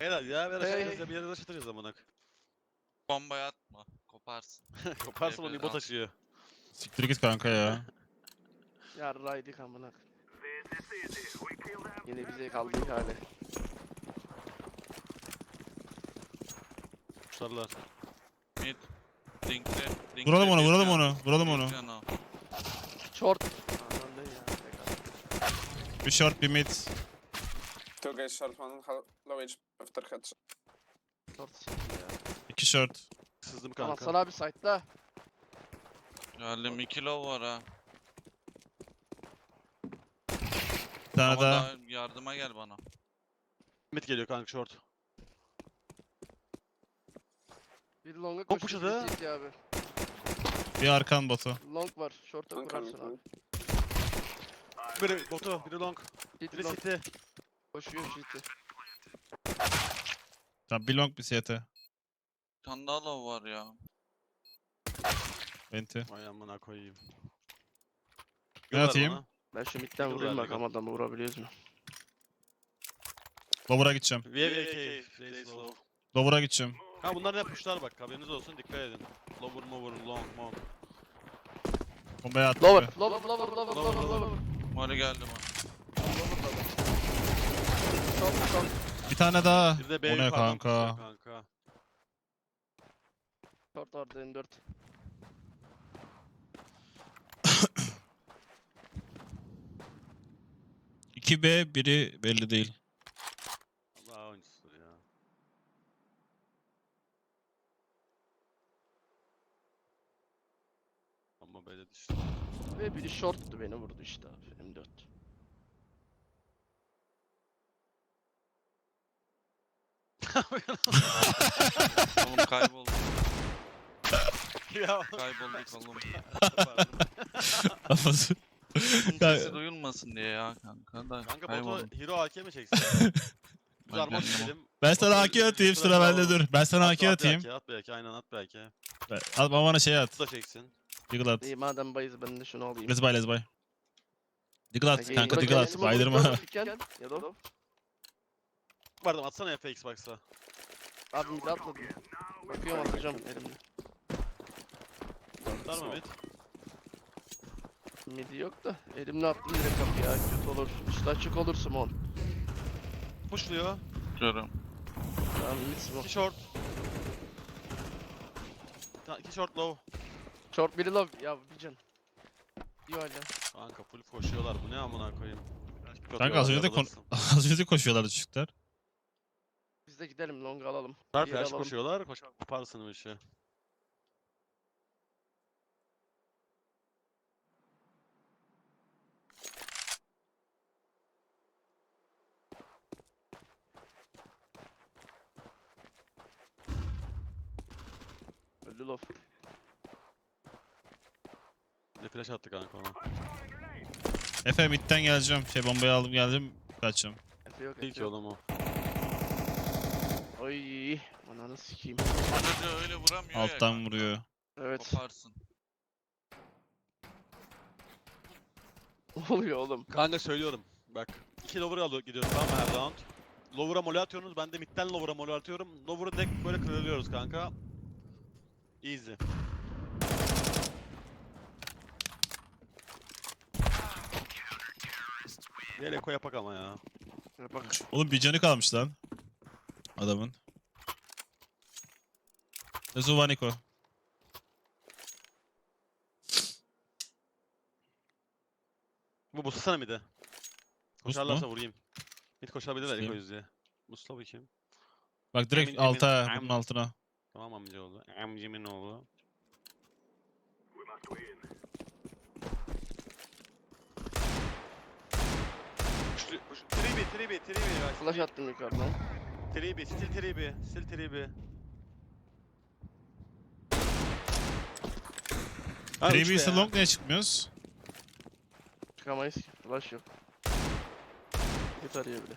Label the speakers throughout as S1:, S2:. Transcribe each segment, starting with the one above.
S1: Helal ya. Bir
S2: Hey.
S1: ara bir yere taşıtırız amına.
S3: Bombayı atma. Koparsın.
S1: Koparsın onu
S3: Evet,
S1: İbo
S3: al.
S1: taşıyor.
S4: Siktir git kanka ya.
S2: Yarraydık amına. Yine bize kaldık hali.
S1: Kuşlarlar.
S3: Mid. Linkli.
S4: Vuralım onu, vuralım onu, vuralım onu.
S2: Short. Aman ne ya. tek
S4: Bir short, bir mid.
S5: Two guys short, one low HP after headshot.
S2: Short sikti ya.
S4: 2 short.
S1: Sızdım
S2: Tamam
S1: kanka.
S2: sana abi site'da.
S3: Geldim 2 low var ha.
S4: Bir tane
S3: Ama
S4: daha.
S3: daha yardıma gel bana.
S1: Mid geliyor kanka short.
S2: Bir long'a
S1: Long
S2: koştu.
S1: pushladı.
S2: bir CT abi.
S4: Bir arkan botu.
S2: Long var. Short'a
S5: One
S2: kurarsın
S5: coming.
S2: abi.
S1: Biri botu, biri long,
S2: CT
S1: biri
S2: long.
S1: city.
S2: Koşuyor CT.
S4: Tamam, bir long bir CT.
S3: Bir tane daha low var ya.
S4: Venti.
S1: Vay amına koyayım.
S4: Ne
S1: Gönder
S4: atayım?
S1: bana.
S2: Ben şu midden
S1: Dur
S2: vurayım
S1: abi,
S2: bakalım adamı vurabiliyoruz mu?
S4: Lower'a gideceğim.
S1: VVK. Raise low.
S4: Lower'a gideceğim.
S1: Ha bunlar ne puşlar bak haberiniz olsun dikkat edin. Lower mover long long.
S4: Bombayı attı.
S2: Lower. Lower.
S1: Lower.
S2: Lower.
S3: Mori geldi bana.
S2: Short.
S4: Bir tane daha.
S1: Bir de
S4: O
S1: B
S4: ne
S1: yukarıdan
S4: kanka?
S1: puşluyor kanka.
S2: Short vardı N4.
S4: İki B, biri belli değil.
S1: Allah oyuncusudur ya. Ama böyle düştü.
S2: Ve biri shorttu beni vurdu işte abi M4.
S3: Oğlum kaybolduk.
S1: Ya.
S3: Kaybolduk oğlum.
S4: Kafası.
S3: Sesi duyulmasın diye ya kanka da
S1: Kanka
S3: kayboldum.
S1: botu hero AK mi çeksin? Biz
S3: Ben
S1: armor
S3: kendim-
S1: çekelim.
S4: Ben sana AK atayım, sıra bende dur. Ben sana AK atayım.
S1: At belki aynen at belki.
S4: Al bana şey at.
S1: Bu da çeksin.
S4: Diggle at.
S2: İyi madem bayız ben de şunu alayım.
S4: Let's buy, let's buy. Diggle at
S2: Peki,
S4: kanka,
S2: bırak
S4: diggle at.
S2: elimi
S4: Baydırma.
S2: vuracağım, piken ya da o.
S1: Pardon atsana FX Xbox'a.
S2: Abi mid atmadım. Bakıyorum atacağım elimle.
S1: Atar mı mid?
S2: Midi yok da elimle attım direkt kapıya kötü olur. Üstü açık olur Simon.
S1: Pushluyor.
S3: Görüyorum.
S2: Tamam mid Simon.
S1: 2 short. 2 short low.
S2: Short biri low ya bir can. İyi hala.
S1: Kanka full koşuyorlar bu ne amına koyayım.
S4: Kanka az önce de az önce koşuyorlardı çocuklar.
S2: Biz de gidelim long alalım.
S1: Her
S2: Diğeri
S1: flash
S2: alalım.
S1: koşuyorlar. Koparsın bu işi.
S2: Öldü low.
S1: Ne flash attı kanka ona.
S4: Efe midden geleceğim. Şey bombayı aldım geldim. Kaçacağım.
S2: Efe yok
S1: İyi
S2: Efe
S1: ki
S2: yok.
S1: oğlum o.
S2: Oy. Ananı sikeyim.
S3: Arada öyle vuramıyor ya
S4: Alttan
S3: kanka.
S4: vuruyor.
S2: Evet.
S3: Koparsın.
S2: Ne oluyor oğlum?
S1: Kanka söylüyorum. Bak. 2 lower'a gidiyoruz tamam mı her round. Lower'a mole atıyorsunuz. Ben de midden lower'a mole atıyorum. Lower'ı direkt böyle kırılıyoruz kanka. Easy. Diğer eko yapak ama ya.
S2: Bak.
S4: Oğlum bir canı kalmış lan. Adamın. Zuvaniko.
S1: Bu buslasana midi.
S4: Boost
S1: Koşarlarsa
S4: mu?
S1: vurayım. Mid koşabilirler
S4: Boostlayayım.
S1: eko yüzüye. Busla bakayım.
S4: Bak direkt
S1: Emin,
S4: alta,
S1: emin.
S4: bunun altına.
S1: Tamam amcaoğlu. Amcimin oğlu. Tribi guys.
S2: Flash attım yukarıdan.
S1: Tribi, still tribi. Ha, üç be
S4: Previous
S1: ya.
S4: long niye çıkmıyoruz?
S2: Çıkamayız ki. Flash yok. Git arıyor bile.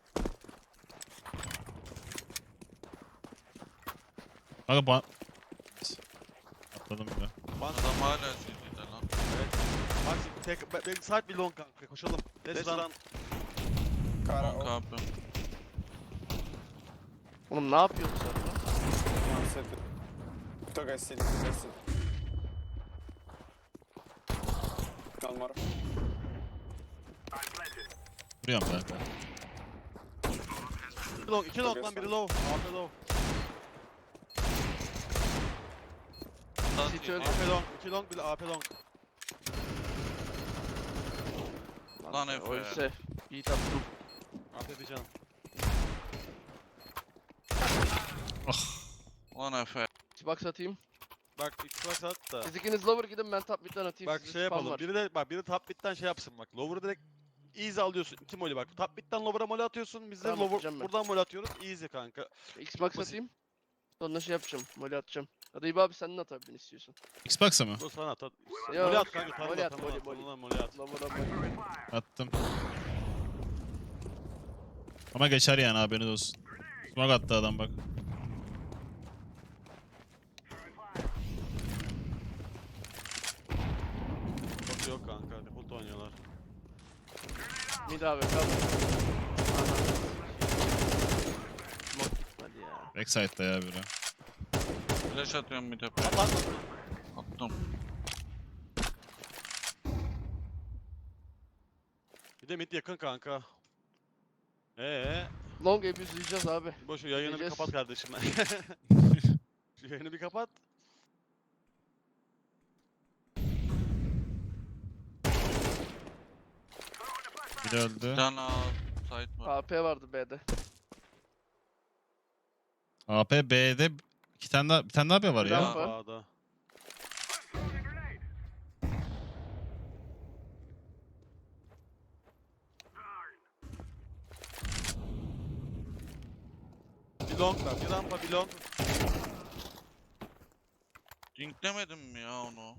S4: Kanka atladım bile.
S3: Adam hala CT'de lan.
S1: Evet. Bak şimdi tek side bir long kanka koşalım. Let's run.
S5: Kara
S3: Long
S5: o.
S3: abi.
S2: Oğlum ne yapıyorsun sen lan?
S5: One city. Two guys city, two guys city. One more.
S4: Vuruyorum kanka.
S1: 2 long lan, biri low. AP low.
S2: City öldü.
S1: AP long, 2 long, bir de AP long.
S3: Lan Efe.
S2: Oysa iyi tattım.
S1: AP bir canım.
S3: Lan Efe.
S2: Xbox atayım.
S1: Bak Xbox at da.
S2: Siz ikiniz lower gidin, ben top mid'den atayım.
S1: Bak
S2: Sizde
S1: şey
S2: spam
S1: yapalım.
S2: var.
S1: Biri top mid'den şey yapsın bak. Lower'ı direkt easy alıyorsun. 2 molly bak. Top mid'den lower'a molly atıyorsun. Biz de
S2: Tamam,
S1: lower
S2: atacağım ben.
S1: buradan molly atıyoruz. Easy kanka.
S2: Xbox
S1: Basit.
S2: atayım. Sonra şey yapacağım. Molly atacağım. Ya da İbo abi sen de at abi istiyorsan.
S4: Xbox'a mı?
S1: Dur sana at.
S2: Yok,
S1: Molly at kanka.
S2: molly
S1: Tanrı
S2: at,
S1: tanrı
S2: molly,
S1: at.
S2: molly.
S1: Tanrı molly at.
S2: Lower'a molly.
S4: Attım. Ama geçer yani, haberiniz olsun. Smoke attı adam bak.
S1: Çok yok kanka. Default oynuyorlar.
S2: Mid abi kal. Smoke gitmedi ya.
S4: Backside'da ya biri.
S3: Flash atıyorum bir tepe.
S1: At at.
S3: Attım.
S1: Bir de mid yakın kanka.
S2: Long abuse'layacağız abi.
S1: Boş ver, yayını bir
S2: Gideceğiz.
S1: kapat kardeşim. Şu yayını bir kapat.
S4: Biri
S3: Bir
S4: öldü.
S3: tane site var.
S2: AP vardı B'de.
S4: AP B'de bir tane daha B var ya.
S2: Rampa.
S1: A'da. Bir long var, bir rampa, bir long.
S3: Dinklemedim mi ya onu?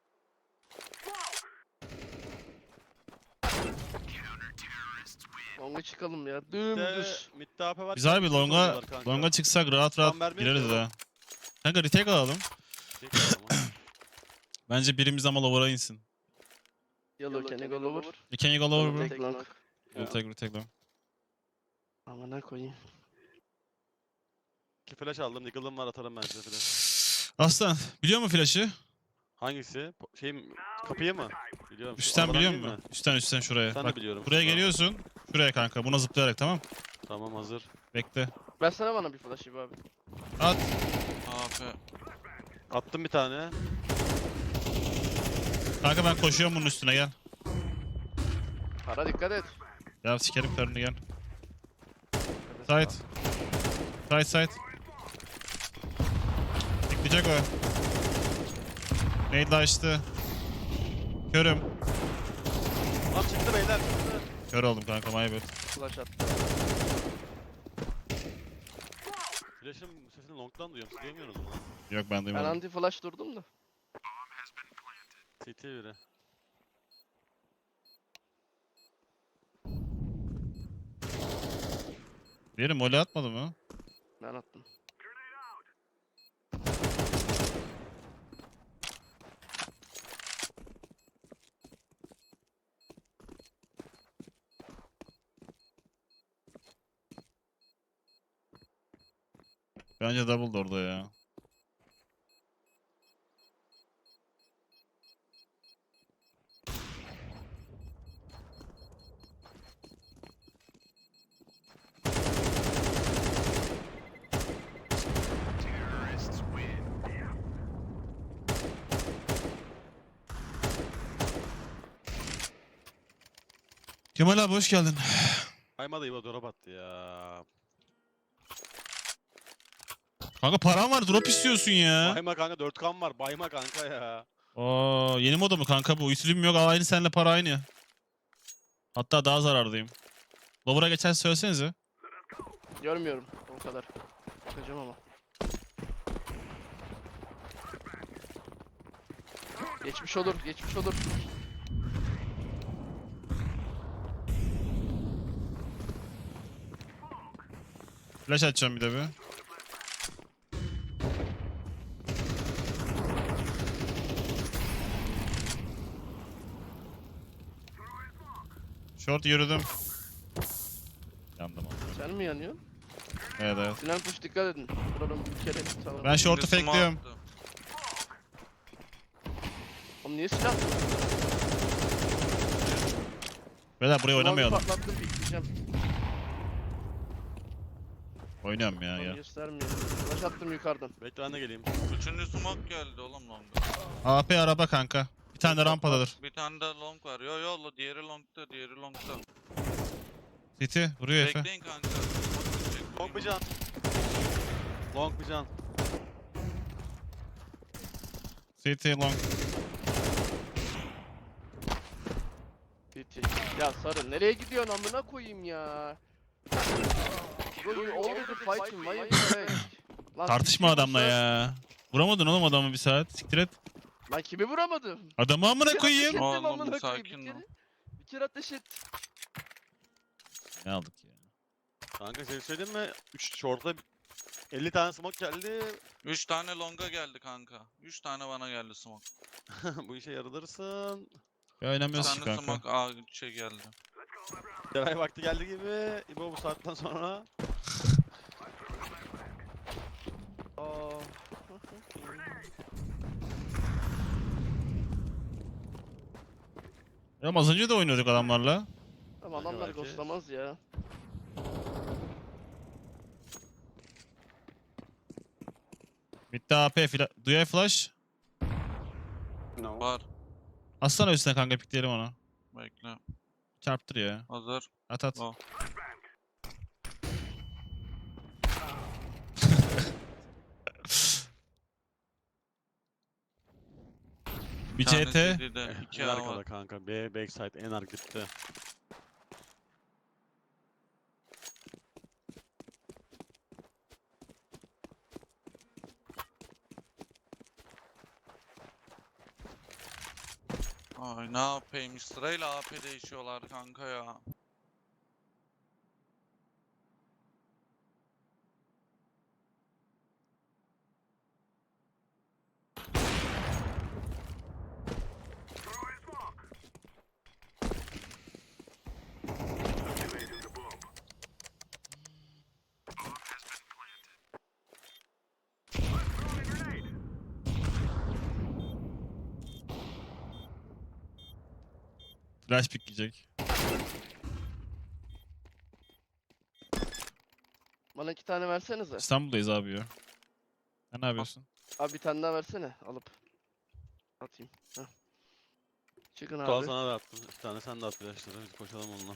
S2: Long'a çıkalım ya.
S1: Mid'de,
S2: Dümdüz.
S1: mid'de AP var.
S4: Güzel bir
S1: mid'de
S4: longa
S1: oynuyorlar kanka.
S4: longa çıksak rahat
S1: Tam
S4: rahat
S1: vermiyor
S4: gireriz
S1: ki o.
S4: ha. Kanka retake alalım.
S1: Tek ama.
S4: Bence birimiz ama lower'a insin.
S2: Yellow can you go lower?
S4: Can you go lower bro?
S2: Take long.
S4: Retake long.
S2: Amına koyayım.
S1: 2 flash aldım. Niggle'ım var, atarım ben size flash.
S4: Aslan biliyor musun flash'ı?
S1: Hangisi? Şey mi? Kapıyı mı? Biliyorum. Şu
S4: Üstten
S1: aradan
S4: biliyor
S1: değil
S4: musun?
S1: mi?
S4: Üstten şuraya.
S1: Sen
S4: Bak
S1: de biliyorum.
S4: buraya
S1: şuradan.
S4: geliyorsun. Şuraya kanka. Buna zıplayarak, tamam.
S1: Tamam, hazır.
S4: Bekle.
S2: Ben sana bana bir flash İbo abi.
S4: At.
S3: AP.
S1: Attım bir tane.
S4: Kanka ben koşuyorum bunun üstüne, gel.
S2: Para dikkat et.
S4: Ya sikerim karını, gel. Side. Side. Bekleyecek o. Nade açtı. Körüm.
S1: Lan çıktı beyler, çıktı.
S4: Kör oldum kanka, my bad.
S2: Flash attı.
S1: Flash'ın sesini long'dan duyuyorum. Siz duymuyorsunuz mu lan?
S4: Yok ben
S2: Ben
S4: duymadım.
S2: anti flash durdum da.
S1: CT biri.
S4: Diğeri mole atmadı mı?
S2: Ben attım.
S4: Bence double orada ya. Kemal abi hoş geldin.
S1: Kaymadı, İbo drop attı ya.
S4: Kanka param var, drop istiyorsun ya.
S1: Bayma kanka, 4 kan var. Bayma kanka ya.
S4: Oo, yeni moda mı kanka bu? Ütülüm yok, aynı seninle para aynı. Hatta daha zarardayım. Lower'a geçen söylesenize.
S2: Görmüyorum o kadar. Bakacağım ama. Geçmiş olur, geçmiş olur.
S4: Flash atacağım bir de bir. Short yürüdüm. Yandım ama.
S2: Sen mi yanıyorsun?
S4: Evet evet.
S2: Sinan push dikkat edin. Vuralım bir kere. Tamam.
S4: Ben short'u
S3: Şimdi smoke
S4: fakeliyorum.
S3: attı.
S2: Oğlum niye silah attın?
S4: Beyler buraya oynamayalım.
S2: Patlattım pikleyeceğim.
S4: Oynuyorum ya
S2: Oğlum
S4: ya.
S2: göstermiyor. Flash attım yukarıdan.
S1: Bekle ben de geleyim.
S3: Üçüncü smoke geldi oğlum longa.
S4: AP araba kanka. Bir tane de rampadadır.
S3: Bir tane de long var. Yo yo diğeri longta, diğeri longta.
S4: City vuruyor Efe.
S3: Bekleyin kanka.
S1: Long bir can. Long bir can.
S4: City long.
S2: Bitti. Ya Sarı nereye gidiyorsun amına koyayım ya. Bro, all the fighting, why you back? Lan
S4: Tartışma
S2: kim
S4: adamla
S2: vursa-
S4: ya. Vuramadın oğlum adamı bir saat. Siktir et.
S2: Lan kimi vuramadım?
S4: Adamı amına
S2: Bir kere ateş
S4: koyayım.
S2: ettim
S3: Oğlum,
S2: amına koyayım,
S3: sakin
S2: bir
S3: ol.
S2: kere. Bir kere ateş et.
S4: Ne aldık ya?
S1: Kanka seni söyleyeyim mi? 3 short'a 50 tane smoke geldi.
S3: 3 tane longa geldi kanka. 3 tane bana geldi smoke.
S1: Bu işe yarılırsın.
S4: Ya
S3: 3
S4: oynamıyoruz ki
S3: tane
S4: kanka.
S3: smoke aa şey geldi.
S1: Deray vakti geldi gibi. İbo bu saatten sonra.
S2: Aa.
S4: Ya az önce de oynuyorduk adamlarla.
S2: Ama adamlar
S1: belki.
S2: ghostlamaz ya.
S4: Bitti AP. Duyay flash.
S5: No.
S3: Var.
S4: Atsana üstüne kanka pikleyelim onu.
S3: Bekle.
S4: Çarptır ya.
S3: Hazır.
S4: At at.
S3: Oh.
S4: Bir
S3: tane
S4: CT.
S3: CD'de, 2
S1: En
S3: A
S1: arkada
S3: var.
S1: kanka. B backside en arka gitti.
S3: Ay ne yapayım? Sırayla AP değişiyorlar kanka ya.
S4: Flash pikleyecek.
S2: Bana 2 tane versenize.
S4: İstanbul'dayız abi ya. Sen ne yapıyorsun?
S2: Abi bir tane daha versene alıp. Atayım. Heh. Çıkın
S1: Tuğal
S2: abi.
S1: sana da attım. 2 tane sen de at flashları. Biz koşalım onunla.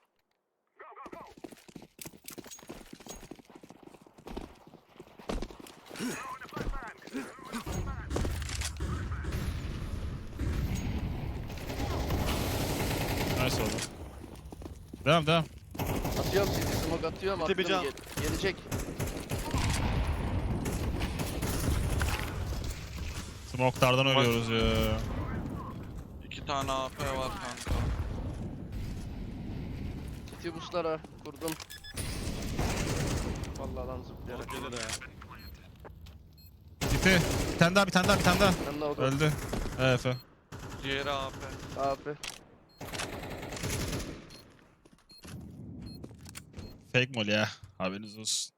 S4: Nice oldu. Devam devam.
S2: Atıyorum sizi smoke atıyorum.
S1: Bitti bir
S2: Attım,
S1: can.
S2: gelecek.
S4: Smoke'lardan ölüyoruz ya.
S3: 2 tane AP var kanka.
S2: City boostlara kurdum. Vallahi lan zıplayarak.
S1: Long gelir ya.
S4: City. Bir tane daha bir tane daha bir tane daha.
S2: Ben de o da.
S4: Öldü. Evet Efe.
S3: Diğeri AP.
S2: Abi.
S4: Fake mol ya. Haberiniz olsun.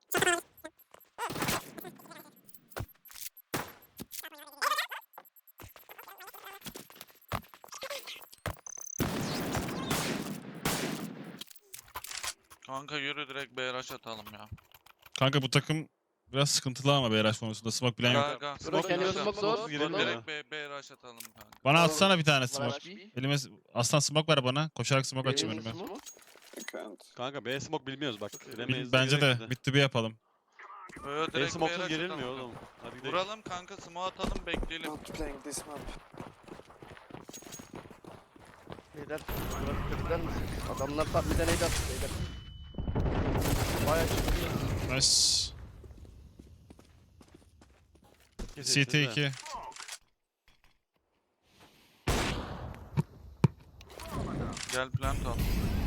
S3: Kanka yürü direkt BRH atalım ya.
S4: Kanka bu takım biraz sıkıntılı ama BRH konusunda. Smoke bilen yok.
S3: Ga.
S2: Bırak kendini
S3: Smoke
S2: smoke zor.
S1: Smoke girelim
S2: Zor.
S1: ya.
S3: direkt BRH atalım kanka.
S4: Bana atsana bir tane smoke.
S2: Flash B.
S4: Elime aslan smoke ver bana. Koşarak smoke açayım
S2: Benim
S4: önüme.
S2: smoke.
S5: I can't.
S1: Kanka B smoke bilmiyoruz bak.
S4: Bence de mid to B yapalım.
S3: Yo,
S1: B
S3: direkt
S1: smoke'suz
S3: BRH
S1: girilmiyor
S3: atalım.
S1: oğlum. Hadi gidelim.
S3: Vuralım kanka smoke atalım bekleyelim.
S5: Not playing this map.
S2: Beyler bırak gider misin? Adamlar tam bir deneydi attı beyler. Bayağı çıktı.
S4: Nice.
S1: Kesin,
S4: CT
S1: kesin de.
S4: 2.
S3: Gel plant al.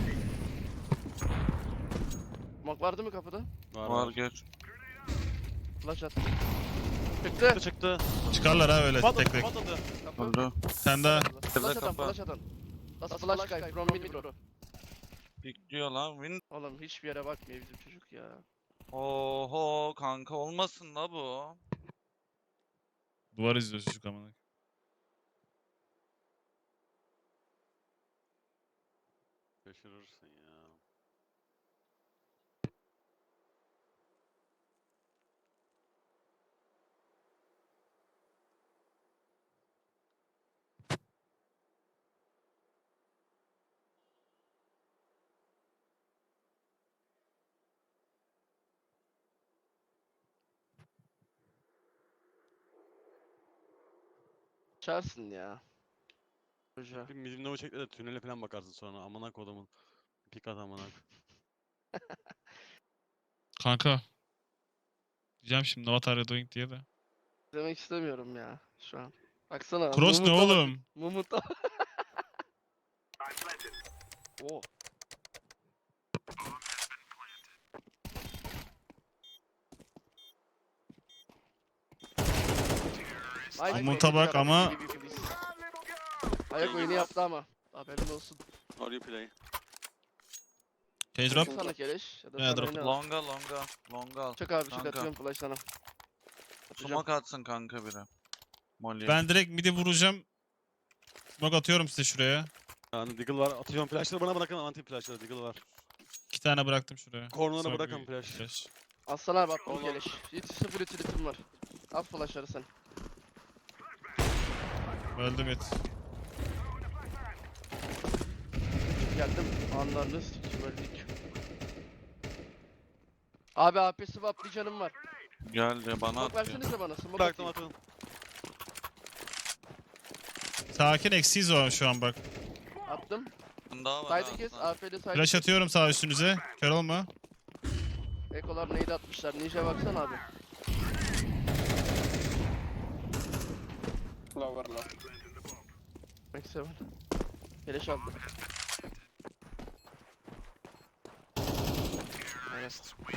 S2: Smoke vardı mı kapıda?
S3: Var geç.
S2: Flash attı. Çıktı.
S1: Çıktı çıktı.
S4: Çıkarlar ha öyle tek tek.
S1: Patladı.
S2: Kapı.
S3: Öldü.
S4: Sen de
S2: Flash atan,
S3: kapı.
S2: flash atan. That's flash guy from mid bro.
S3: Bekliyor lan. Win.
S2: Oğlum hiçbir yere bakmıyor bizim çocuk ya.
S3: Oho kanka olmasın la bu.
S4: Duvar izliyor çocuk amına.
S1: Şaşırırsın ya.
S2: Çarsın ya. Hoca.
S1: Bir midimle çekle de tünele falan bakarsın sonra. Amına kodumun. Pik at amına.
S4: Kanka. Diyeceğim şimdi what are you doing diye de.
S2: Demek istemiyorum ya şu an. Baksana.
S4: Cross ne
S2: Mumut'a bak.
S4: oğlum?
S2: Mumut'a. Oo. Ay,
S4: Mumut'a
S2: korkunç
S4: bak
S2: adam,
S4: ama-
S2: gibi gibi biz. Ayak oyunu yaptı ama. Haberin olsun.
S1: How do you play?
S4: Cage drop.
S2: Sana keleş. Ya da
S4: Yeah,
S2: sana
S4: drop.
S2: oyunu al.
S3: Longa al.
S2: Çak abi çak
S3: Kanka.
S2: atıyorum flash sana. Atacağım.
S3: Smoke atsın kanka biri. Molly.
S4: Ben direkt midi vuracağım. Smoke atıyorum size şuraya.
S1: Yani Deagle var. Atıyorum flashları bana bırakın. Anti flashları Deagle var.
S4: 2 tane bıraktım şuraya.
S1: Corner'a
S4: Smoke
S1: bırakın
S4: bir
S1: flash.
S2: Aslan abi attım keleş. Hiç sıfır utility'm var. At flashları sen.
S4: Öldüm et.
S2: Geldim. Anlarını sikim öldük. Abi AP swap bir canım var.
S3: Geldi bana
S2: Smoke
S3: atıyor.
S2: versenize bana. Smoke
S1: Bıraktım
S2: atayım.
S1: atın.
S4: Sakin eksiyiz o şu an bak.
S2: Attım.
S3: Daha var
S2: Side'ı kes.
S3: ha.
S2: AP'de side
S4: Flash
S2: kes.
S4: atıyorum sağ üstünüze. Kör olma.
S2: Ekolar neydi atmışlar. Ninja baksana abi.
S5: Lower, low.
S2: Max 7. Keleş aldım. Aynen.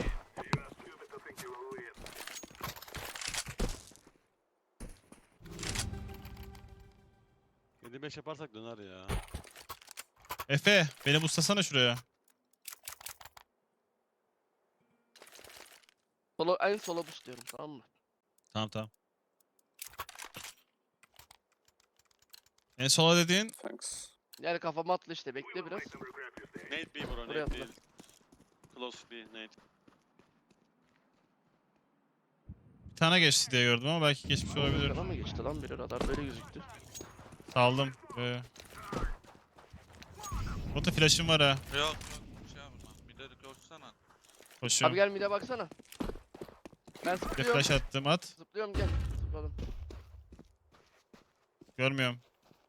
S1: Yedi 5 yaparsak döner ya.
S4: Efe beni buslasana şuraya.
S2: Solo, en sola boost diyorum tamam mı?
S4: Tamam tamam. En sola dediğin
S5: Thanks.
S2: Yani kafama atla işte bekle biraz.
S1: Nate B bro,
S2: Buraya
S1: Nate
S2: atla.
S1: B. Close B, Nate.
S4: bir tane geçti diye gördüm ama belki geçmiş olabilir.
S2: Sana mı geçti lan biri radar böyle gözüktü.
S4: Saldım. Bota flash'ım var ha.
S3: Yok şey yapma. Bir de koşsana.
S2: Abi
S4: Koşuyorum.
S2: gel mid'e baksana. Ben
S4: Bir de
S2: zıplıyorum.
S4: flash attım at.
S2: Zıplıyorum gel. Zıpladım.
S4: Görmüyorum.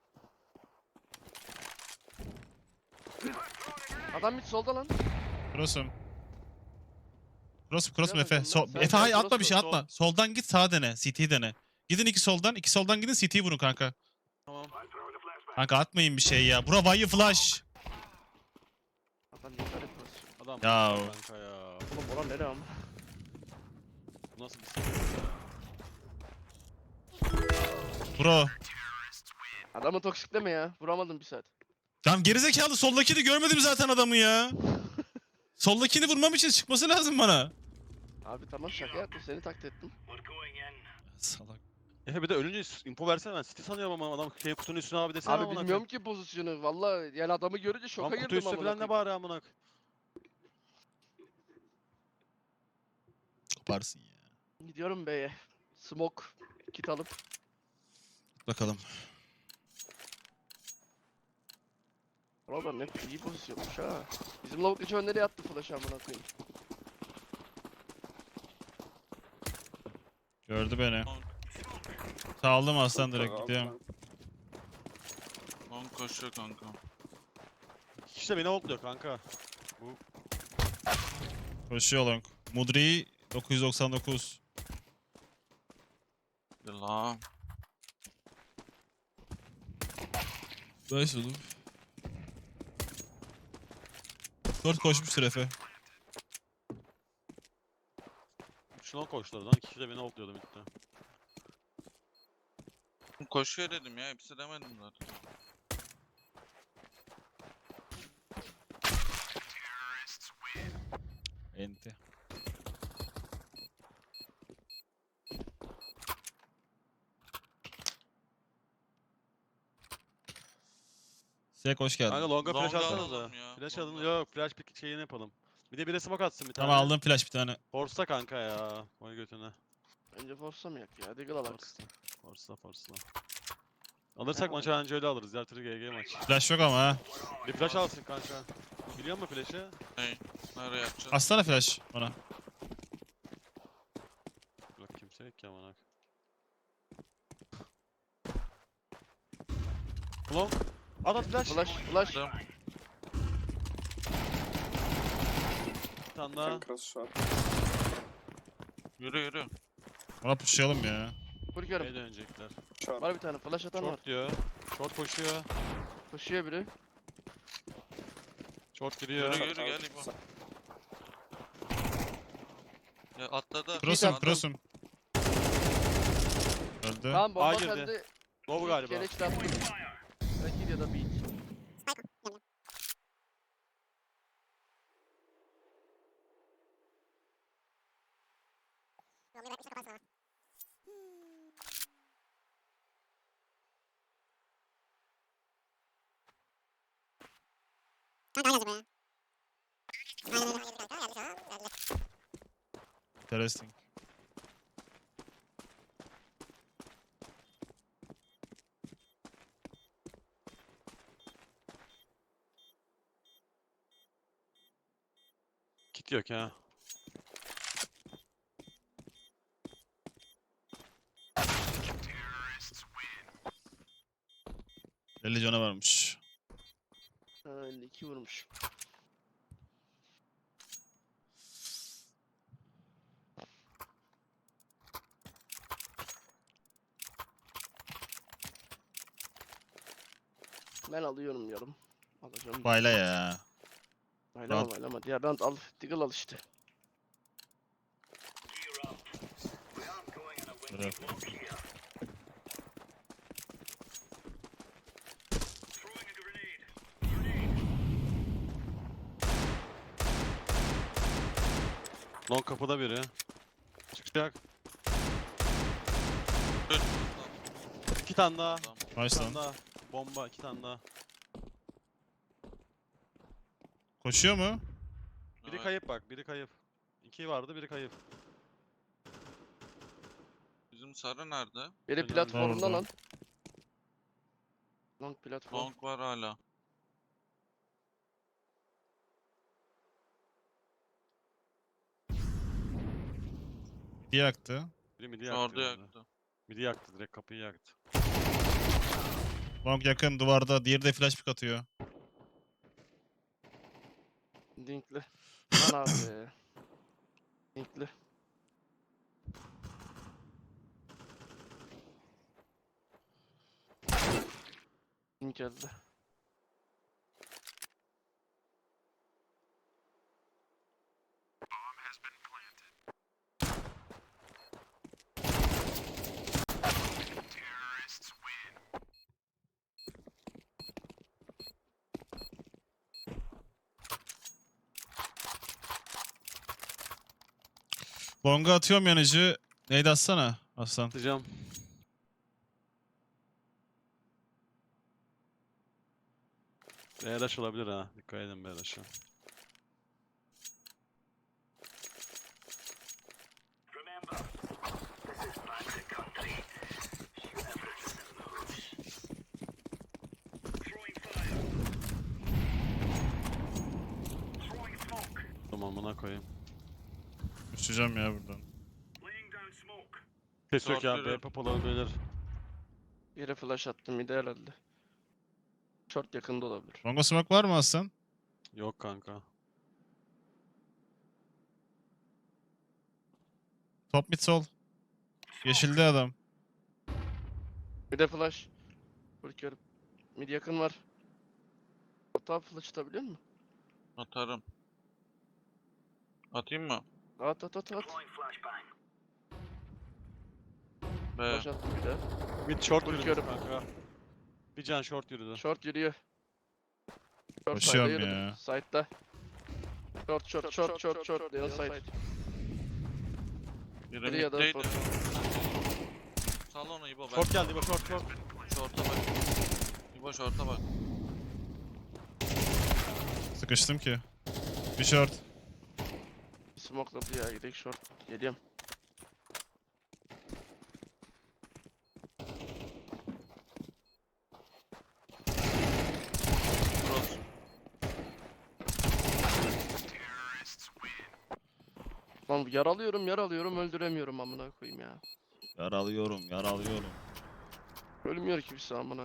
S2: Adam mid solda lan.
S4: Cross'um. Cross'um
S2: Bilemedim
S4: Efe.
S2: lan. Sen
S4: Efe hayır
S2: cross
S4: atma bir şey
S1: mu?
S4: atma. Soldan git sağa dene. CT'yi dene. Gidin iki soldan. İki soldan gidin CT'yi vurun kanka.
S1: Tamam.
S4: Kanka atmayın bir şey ya. Bura vayı flash.
S2: Adam dikkat et burası.
S1: Adam
S4: Ya.
S1: kanka ya.
S2: Oğlum oran nereye ama?
S1: Bu nasıl bir sıkıntı ya?
S4: Bro.
S2: Adamı toksikleme ya. Vuramadım bir saat.
S4: Tamam gerizekalı soldakini görmedim zaten adamı ya. Soldakini vurmam için çıkması lazım bana.
S2: Abi tamam şaka yaptım seni taklit ettim.
S4: Salak.
S1: Efe bir de ölünce info versene, ben City sanıyorum ama adam şey kutunun üstüne abi desene
S2: Abi
S1: amına
S2: bilmiyorum ki pozisyonu. Valla yani adamı görünce şoka
S1: Lan kutu
S2: girdim
S1: üstü
S2: amına
S1: falan ne
S2: koyayım.
S1: bari amına.
S4: Koparsın ya.
S2: Gidiyorum beye. Smoke. Kit alıp.
S4: Bakalım.
S2: Orada ne iyi pozisyonmuş ha. Bizim lavuk hiç nereye attı flash amına koyayım.
S4: Gördü beni. Saldım aslan direkt
S5: Lower,
S4: gidiyorum.
S3: Long koşuyor kanka.
S1: İşte beni okluyor kanka.
S4: Koşuyor long. Mudri 999.
S3: La.
S4: Nice oğlum. 4 koşmuştur Efe.
S1: Şuna koştular lan. Kişi de beni okluyordu bitti.
S3: Koşuyor dedim ya. Hepsi demedim zaten.
S4: Enti. Sek hoş geldin.
S1: Kanka longa flash
S3: Longa
S1: alsanız da.
S3: alalım ya,
S1: Flash
S3: longa.
S1: alın. Yok flash bir şeyini yapalım. Bir de biri smoke atsın bir tane.
S4: Tamam aldım flash bir tane.
S1: Force'la kanka ya. Vay götüne.
S2: Bence forçlamayak ya. Diggle alak.
S1: Force'la. Alırsak maçı anca öyle alırız. Diğer türlü GG maç.
S4: Flash yok ama ha.
S1: Bir flash alsın kanka. Biliyor musun flash'ı?
S3: Nereye yapacağız?
S4: Atsana flash bana.
S1: Bak kimse yok ki amına. Long. At flash.
S2: Flash.
S3: Attım.
S1: Bir tane daha.
S5: Can cross short.
S3: Yürü.
S4: Ona pushlayalım ya.
S2: Kurkuyorum.
S1: B'ye dönecekler.
S5: Short.
S2: Var bir tane flash atan var.
S1: Short diyor. Short koşuyor.
S2: Koşuyor biri.
S1: Short giriyor.
S3: Yürü gel İbo. Ya atladı.
S4: Cross'um
S3: Adam-
S4: cross'um. Öldü.
S2: Tamam bomba
S1: A girdi.
S2: sende.
S1: Low galiba.
S2: Gereç attım. Rakip ya da beat.
S4: Interesting.
S1: Kit yok ha.
S4: %50 canı varmış.
S2: Ha, 52 vurmuş. Ben alıyorum yarım. Alacağım.
S4: Bayla ya.
S2: Baylama baylama. Diğer round al. Diggle al işte.
S4: Böyle.
S1: Long kapıda biri. Çıkacak.
S3: Dur.
S1: İki tane daha.
S3: Adam.
S1: İki
S4: Nice
S1: tane
S4: lan.
S1: daha. Bomba iki tane daha.
S4: Koşuyor mu?
S1: Biri
S3: Evet.
S1: kayıp bak. Biri kayıp. İki vardı biri kayıp.
S3: Bizim sarı nerede?
S2: Biri
S1: Helal.
S2: platformdan
S4: Orada.
S2: al. Long platform.
S3: Long var hala.
S4: Bir yaktı.
S1: Biri midi yaktı.
S3: Orada
S1: herhalde.
S3: yaktı.
S1: Midi yaktı direkt kapıyı yaktı.
S4: Long yakın duvarda. Diğeri de flash pick atıyor.
S2: Dinkli. Lan abi. Dinkli. Dink geldi.
S4: Long'a atıyorum yanıcı. Neydi atsana Aslan.
S1: Atacağım. BRH olabilir ha. Dikkat edin BRH'a. Tamam buna koyayım.
S4: Uçacağım ya buradan.
S1: Ses yok ya.
S3: Short
S1: B pop olabilir.
S2: Yere flash attım mide herhalde. Short yakında olabilir.
S4: Long'a smoke var mı Aslan?
S1: Yok kanka.
S4: Top mid sol. Yeşilde adam.
S2: Bir de flash. Kurkuyorum. Mid yakın var. Hata flash atabiliyor musun?
S3: Atarım. Atayım mı?
S2: At.
S3: B.
S2: Flash attım bir de.
S1: Mid short yürüdü
S2: Bakıyorum.
S1: kanka. Bir can short yürüdü.
S2: Short yürüyor. Short
S4: Koşuyorum
S2: side'da yürüdü.
S4: ya.
S2: Side'da. Short. Leon side.
S3: Biri
S2: Biri ya da
S3: middeydi.
S2: short.
S3: Sal onu İbo ben.
S1: Short geldi bu short.
S3: Short'a bak. İbo short'a bak.
S4: sıkıştım ki. Bir short.
S2: Smokladı ya, gidelim short. Geliyorum.
S3: Cross.
S2: Lan yaralıyorum öldüremiyorum amına koyayım ya.
S4: Yaralıyorum.
S2: Ölmüyor kimse amına.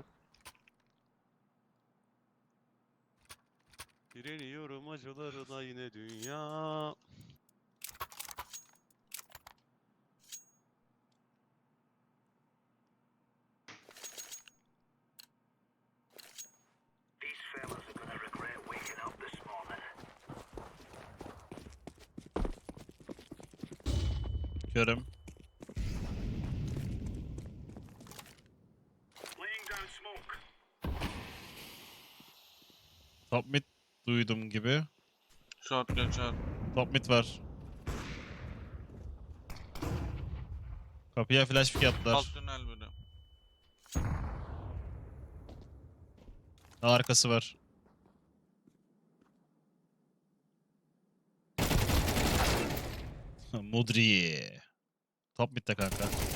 S1: Direniyorum acılarına yine dünya.
S4: Körüm. Top mid duydum gibi.
S3: Short geçer.
S4: Top mid var. Kapıya flash pick attılar.
S3: Alt tünel biri.
S4: Arkası var. Mudri. Top mid'de kanka.